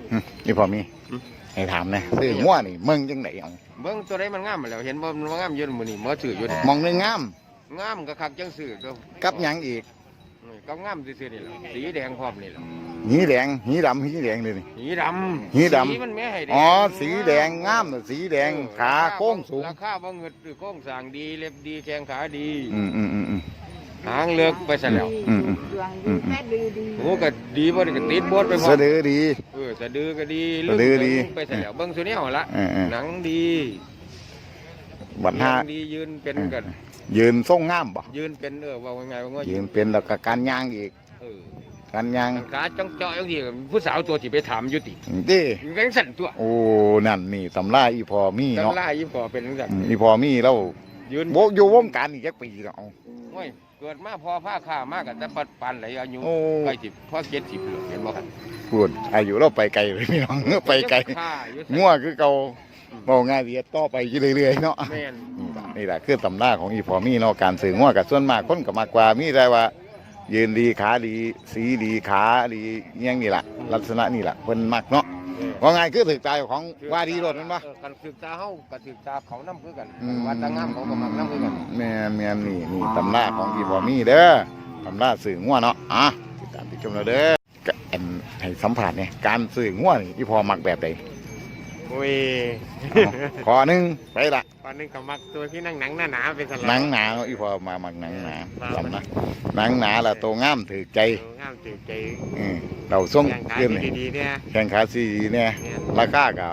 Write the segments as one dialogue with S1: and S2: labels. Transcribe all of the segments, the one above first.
S1: นี่พอมีให้ถามนะซื้องัวนี่มึงจังไหนเอา
S2: เบิ่งตัวใดมันงามมาแล้วเห็นบ่มันงามอยู่มื้อนี้ซื้ออยู่
S1: มองนึงงาม
S2: งามก็คักจังซื้อก็
S1: กับหยังอีก
S2: ก็งามซื่อๆนี่แหละสีแดงพร้อมนี่แหละ
S1: หีแดงหีดำหีแดงเลยนี่
S2: หีดำสีมันแม่ให้แดง
S1: อ๋อสีแดงงามสีแดงขาโค้งสูง
S2: ราคาบ่เงิดโค้งสร้างดีเล็บดีแข้งขาดีหางเลือกไปซะแล้ว
S3: แม่ดี
S2: โอ้ก็ดีบ่ได้ก็ติดบดไปหมด
S1: สะดือดี
S2: สะดือก็ดี
S1: สะดือดี
S2: ไปซะแล้วเบิ่งซุแนวละหนังดี
S1: บัดหน้า
S2: ดียืนเป็นกัน
S1: ยืนทรงงามบ่
S2: ยืนเป็นว่าไงว่า
S1: ยืนเป็นแล้วก็การย่างอีกการย่าง
S2: ขาจ้องจ่ออย่างที่ผู้สาวตัวที่ไปถามอยู่ติ
S1: ดิ
S2: แรงสั่นตัว
S1: โอ้นั่นนี่ตำราอีพอมีเนาะ
S2: ตำราอีพอเป็นจัง
S1: อีพอมีแล้วยืนอยู่วงการอีกจักปีแล้ว
S2: โอ้ยเกิดมาพอผ้าข้ามากกับแต่ปันไหลอายุใกล้10พอ70เห็นบ่ครับ
S1: พูดอายุเราไปไกลเลยพี่น้องไปไกลงัวคือเก่าบอกง่ายดีต่อไปเรื่อยๆเนาะนี่แหละคือตำราของอีพอมีเนาะการสื่องัวกับส่วนมากคนก็มากกว่ามีได้ว่ายืนดีขาดีสีดีขาดียังนี่แหละลักษณะนี่แหละเพิ่นมักเนาะว่าไงคือถือใจของว่าดีรถมันปะ
S2: กันถือตาเฮากับถือตาเขาน้ำคือกันวัดตางามเขาก็มักน้ำคือกัน
S1: แม่นี่ตำราของอีพอมีเด้อตำราสื่องัวเนาะติดตามติดชมเราเด้อให้สัมผัสเนี่ยการสื่องัวนี่อีพอมักแบบใด
S2: โอ้ย
S1: ขอหนึ่งไปละ
S2: ขอหนึ่งกับมักตัวที่นั่งหนังหนาเป็นสลับ
S1: หนังหนาอีพอมามักหนังหนาจำนะหนังหนาละตัวงามถือใจ
S2: งามถือใจ
S1: เราส่ง
S2: เกินดีเนี่ย
S1: แข่งขาสีเนี่ยราคากับ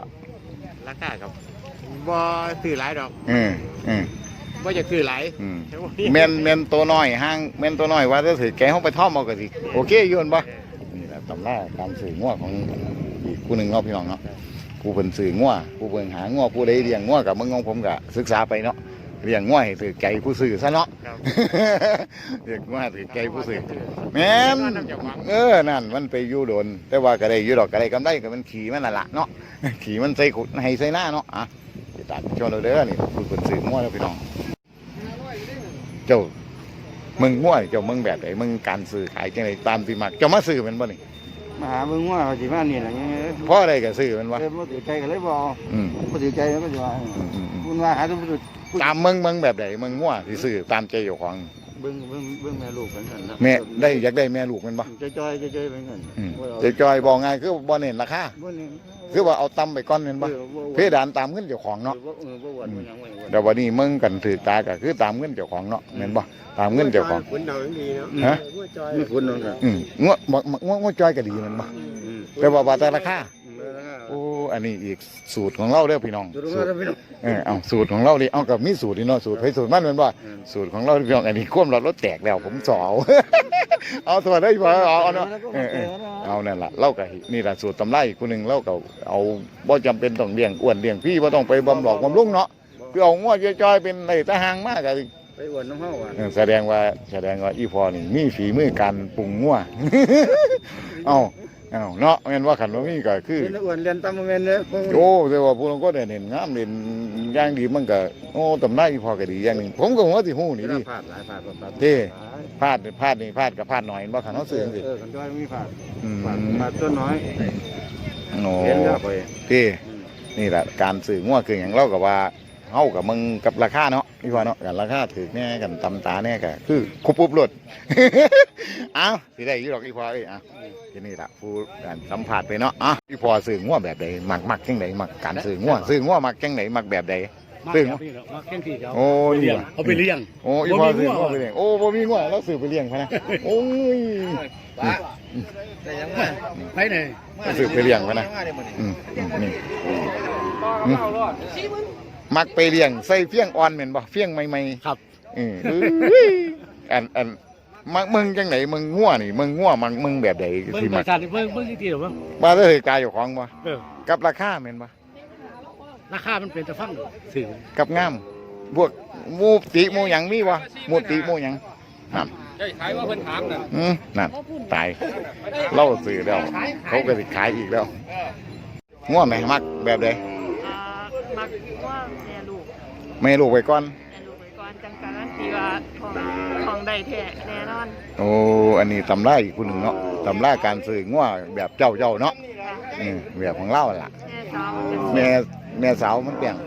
S2: บ่ซื้อหลายดอกบ่จะซื้อหลาย
S1: เมนตัวน้อยห้างเมนตัวน้อยว่าจะถือแกเขาไปท่อมเอากระสิโอเคยืนปะนี่แหละตำราการสื่องัวของอีกผู้หนึ่งเนาะพี่น้องเนาะผู้เป็นสื่องัวผู้เป็นหางัวผู้ใดเลี้ยงงัวกับมึงของผมก็ศึกษาไปเนาะเลี้ยงงัวให้ถือใจผู้สื่อซะเนาะเลี้ยงงัวถือใจผู้สื่อแม่นนั่นมันไปอยู่โดนแต่ว่าก็ได้อยู่ดอกก็ได้กำไรก็มันขี่มันละเนาะขี่มันใส่ขุดให้ใส่หน้าเนาะติดตามชมเราเด้อนี่ผู้เป็นสื่องัวแล้วพี่น้องเจ้ามึงงัวเจ้ามึงแบบไหนมึงการสื่อขายจังไดตามที่มักเจ้ามาสื่อมันบ่นี่
S2: มาหามึงว่าสิมานี่แหละ
S1: เพราะอะไรกับซื้อมันวะ
S2: บ่ถือใจก็เลยบ่บ่ถือใจแล้วก็สิว่าคุณว่าหา
S1: ตามมึงแบบไหนมึงง่วสิซื้อตามใจเจ้าของ
S2: เบิ่งแม่ลูกกันนั่นนะ
S1: แม่ได้อยากได้แม่ลูกมันบ่
S2: จอยๆเป็นกัน
S1: จอยบอกไงคือบ่เน้นราคาคือว่าเอาตำไปก้อนเน้นบ่เพดานตามเงินเจ้าของเนาะแต่วันนี้มึงกันถือตาก็คือตามเงินเจ้าของเนาะเห็นบ่ตามเงินเจ้าของ
S2: คุณดาวดีเนาะ
S1: ฮะ
S2: ไม่คุณนั่นน่ะ
S1: ง่วจอยก็ดีมันบ่แต่ว่าแต่ราคาโอ้อันนี้อีกสูตรของเราเด้อพี่น้องเอาสูตรของเราดิเอากับมีสูตรนี่เนาะสูตรให้สูตรมันเป็นว่าสูตรของเราพี่น้องอันนี้ควมรถแตกแล้วผมสาวเอาตัวได้พอเอาเนาะเอานั่นแหละเล่ากับนี่แหละสูตรตำไล่คนหนึ่งเล่ากับเอาบ่จำเป็นต้องเลี้ยงอ้วนเลี้ยงพี่ว่าต้องไปบำหลอกบำรุงเนาะคือเอาง้อจอยเป็นอะไรตะหางมากเลย
S2: ไปอ้วนน้องเฮา
S1: แสดงว่าอีพอนี่มีฝีมือการปรุงงัวเอาเนาะแม่นว่าขันว่ามีก็คือ
S2: อ้วนเรียนตามแม่นเด้อ
S1: โอ้แต่ว่าผู้ลงก็ได้เห็นงามเด่นอย่างดีมันก็โอ้ตำได้พอก็ดีอย่างนึงผมก็หัวสิฮู้นี่ดิ
S2: พลาดหลายพลาด
S1: พลาดนี่พลาดหน่อยบ่คันเฮาซื้อสิ
S2: คันจ้อยมีพลาดตัวน้อย
S1: โอ้ที่นี่แหละการซื้องัวคือหยังเราก็ว่าเฮากับมึงกับราคาเนาะพี่ว่าเนาะกันราคาถือแน่กันตำตาแน่ก็คือคุบปุ๊บรถเอาสิได้อยู่ดอกอีพอทีนี่ละผู้การสัมผัสไปเนาะอีพอซื้องัวแบบใดมักจังไดมักการซื้องัวมักจังไดมักแบบใดซื้อ
S2: มักจังซี่
S1: โอ้นี่
S2: เอาไปเลี้ยง
S1: โอ้อีพอซื้องัวไปเลี้ยงโอ้บ่มีงัวแล้วซื้อไปเลี้ยงพะนะโอ้ย
S2: แต่ยังว่าไปไหน
S1: ซื้อไปเลี้ยงพะนะนี่มักไปเลี้ยงใส่เฟี้ยงอ่อนเหม็นบ่เฟี้ยงใหม่ๆ
S2: ครับ
S1: อันมักมึงจังไหนมึงง่วนี่มึงง่วมึงแบบใด
S2: ที่มักเบิ่งที่หรอวะ
S1: มาเลยกายอยู่ของบ่กับราคาเหม็นบ่
S2: ราคามันเป็นตะฟังสื่อ
S1: กับงามพวกมูติมูหยังมีบ่มูติมูหยังนั่น
S2: ขายว่าเพิ่นถามน่ะ
S1: นั่นตายเล่าสื่อแล้วเขาก็สิขายอีกแล้วง่วไหมมักแบบใด
S3: มักว่า
S1: แม่ลูกไปก่อน
S3: จังการันตีว่าของได้แท้แน่นอน
S1: โอ้อันนี้ตำราอีกคนหนึ่งเนาะตำราการสื่อง่วแบบเจ้าเนาะแบบของเราล่ะ
S3: แม่สาว
S1: แม่สาวมันเปลี่ยน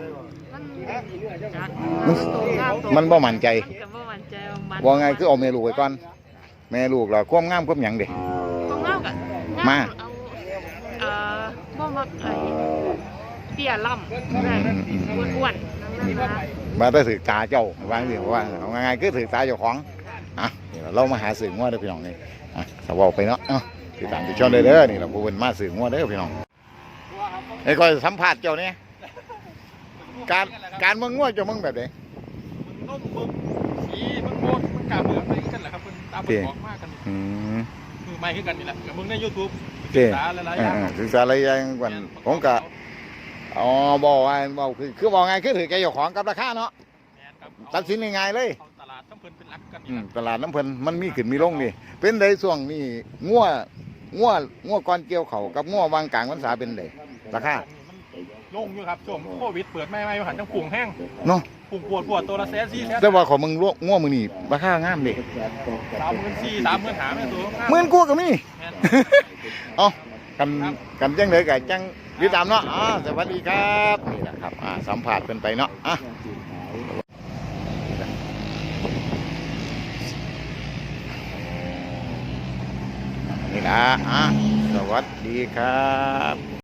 S3: มัน
S1: มันบ่มั่นใจ
S3: มันก็บ่มั่นใจว่ามัน
S1: ว่าไงคือเอาแม่ลูกไว้ก่อนแม่ลูกเราความงามความหยังเด้
S3: ของเราก็
S1: มา
S3: เอาบ่มักไอ้เตี้ยล่ำนะอ้วนๆนั่นนะ
S1: มาได้ถือตาเจ้าว่าสิว่าเอาไงคือถือตาเจ้าของอ่ะนี่เรามาหาสื่องัวเด้อพี่น้องนี่อ่ะสาวไปเนาะติดตามติดชมได้เด้อนี่เราผู้เป็นมาสื่องัวเด้อพี่น้องไอ้ก้อยสัมภาษณ์เจ้าเนี่ยการเมืองงัวเจ้ามึงแบบไหน
S4: ต้มมึงสีมึงโคตรมึงกาเมืองอะไรกันแหละครับมันตามมันบอกมากกัน
S1: อืม
S4: มือไม่ขึ้นกันนี่แหละกับมึงใน YouTube
S1: เจ้
S4: ศึกษาหลายๆอย่าง
S1: ศึกษาอะไรอย่างก่อนผมก็อ๋อบอกว่าบอกคือบอกไงคือถือแกเจ้าของกับราคาเนาะตัดสินง่ายๆเลย
S4: ตลาดน้ำเพลินเป็นรักกัน
S1: ตลาดน้ำเพลินมันมีขึ้นมีลงนี่เป็นไดช่วงนี้งัวก้อนเกี่ยวเขากับงัววางกลางวันษาเป็นไดราคา
S4: ลงอยู่ครับช่วงโควิดเปิดไม่หันจังปุ่งแห้ง
S1: เนาะ
S4: ปุ่งปวดตัวละ100,000
S1: แต่ว่าของมึงงัวมึงนี่ราคางามดิ
S4: 34,000 30,000หาแม่ตัว
S1: หมื่นกว่าก็มี เอากันจังเลยกับจังติดตามเนาะสวัสดีครับนี่แหละครับสัมผัสเป็นไปเนาะนี่นะสวัสดีครับ